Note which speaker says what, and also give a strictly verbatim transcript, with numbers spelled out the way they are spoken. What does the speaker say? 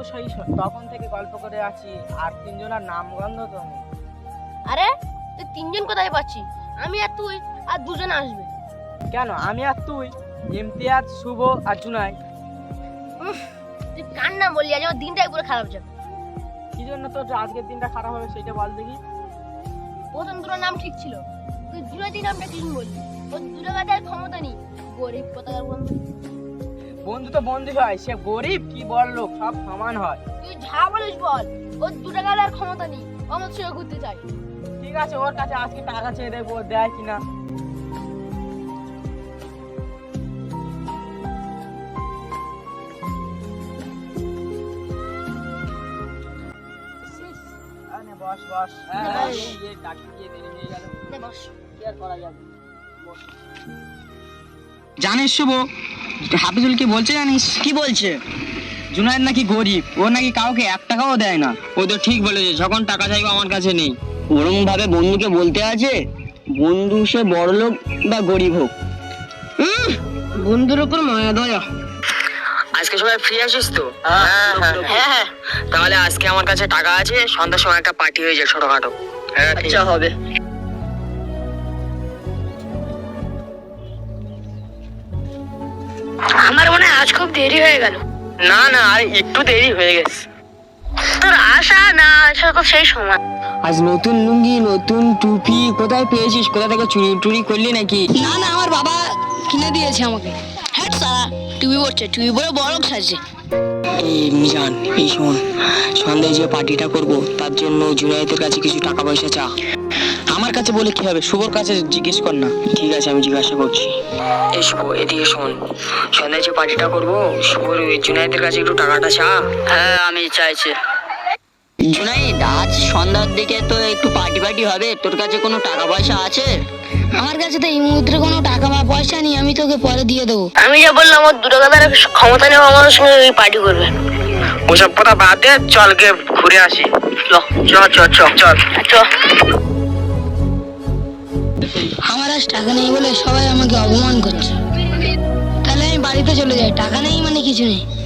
Speaker 1: সেই স- তখন থেকে গল্প করে আছি, আর তিনজনের নাম গন্ধ তো নেই।
Speaker 2: আরে তুই তিনজন কোথায় পাচ্ছি? আমি আর তুই আর দুজন আসবে।
Speaker 1: কেন আমি আর তুই? ইমতিয়াজ, শুভ আর জুনাই।
Speaker 2: উফ, তুই কার নাম বললি? আজ আমার দিনটাই পুরো খারাপ যাবে।
Speaker 1: কি জন্য তোর আজকের দিনটা খারাপ হবে সেটা বল দেখি।
Speaker 2: প্রথম দুটো নাম ঠিক ছিল, তুই জুনাইদি নামটা কি বললি? ওর দুটো গাদার ক্ষমতা নেই, গরিব কোথাকার বন্ধু।
Speaker 1: বন্ধু তো বন্ধু হয়, সে গরিব কি বড় লোক সব সমান হয়।
Speaker 2: তুই যা বলিস বল, ওর দুটো গাদার ক্ষমতা নেই, ও আমার সঙ্গে ঘুরতে চাই।
Speaker 1: ঠিক আছে, ওর কাছে আজকে টাকা চেয়ে দেখবো ও দেয় কিনা। আরে বস বস।
Speaker 2: নে বস।
Speaker 1: এই যে ডাক্তার গিয়ে দেরি হয়ে গেল,
Speaker 2: নে বস।
Speaker 1: কি আর করা যাবে। বস।
Speaker 3: জানিস শুভ, হাফিজুল কি বলছে জানিস? কি বলছে? জুনায়েদ নাকি গরিব, ও নাকি কাউকে এক টাকাও দেয় না। ও তো ঠিক বলেছে, যখন টাকা চাইবো আমার কাছে নেই। ওরকম ভাবে বন্ধুকে বলতে আছে, বন্ধু সে বড়লোক বা গরিব হোক। উম, বন্ধুর উপর মায়া দয়া। আজকে সবাই ফ্রি আছিস তো? হ্যাঁ হ্যাঁ হ্যাঁ। তাহলে আজকে আমার কাছে টাকা আছে, সন্ধ্যার সময় একটা পার্টি হয়ে যায় ছোটখাটো। হ্যাঁ আচ্ছা হবে।
Speaker 2: আমার মনে হয় আজ খুব দেরি হয়ে গেল।
Speaker 3: না না, আর একটু দেরি হয়ে গেছে।
Speaker 2: তোর আশা না আসা তো সেই সময়।
Speaker 3: আজ নতুন লুঙ্গি, নতুন টুপি কোথায় পেয়েছিস? কোথা থেকে চুরি টুরি করলি নাকি?
Speaker 2: না না, আমার বাবা কিনে দিয়েছে আমাকে। হ্যাঁ সারা টিভি পড়ছে, টিভি পড়ে বড় সাজছে।
Speaker 3: এই মিজান, এই শোন, সন্ধ্যায় যে পার্টিটা করব তার জন্য জুনায়েদের কাছে কিছু টাকা পয়সা চা। আমার কাছে বলে কি হবে, শুভর কাছে জিজ্ঞেস কর না। ঠিক আছে, আমি জিজ্ঞাসা করছি। এই শুভ, এদিকে শোন, সন্ধ্যায় যে পার্টিটা করব শুভর ওই জুনায়েদের কাছে একটু টাকাটা চা। হ্যাঁ আমি চাইছি। জুনাইদ, আজ সন্ধ্যার দিকে তো একটু পার্টি পার্টি হবে, তোর কাছে কোনো টাকা পয়সা আছে?
Speaker 2: আমার কাছে তো এই মুহূর্তে কোনো টাকা বা পয়সা নেই, আমি তোকে পরে দিয়ে দেবো। আমি যা বললাম, ওর দুটো গাদার ক্ষমতা নেই আমার সঙ্গে ওই পার্টি করবে।
Speaker 3: ওসব কথা বাদ দে, চল গে ঘুরে আসি। চল চল চল চল চল।
Speaker 2: আমার আজ টাকা নেই বলে সবাই আমাকে অপমান করছে, তাহলে আমি বাড়িতে চলে যাই। টাকা নেই মানে কিছু নেই।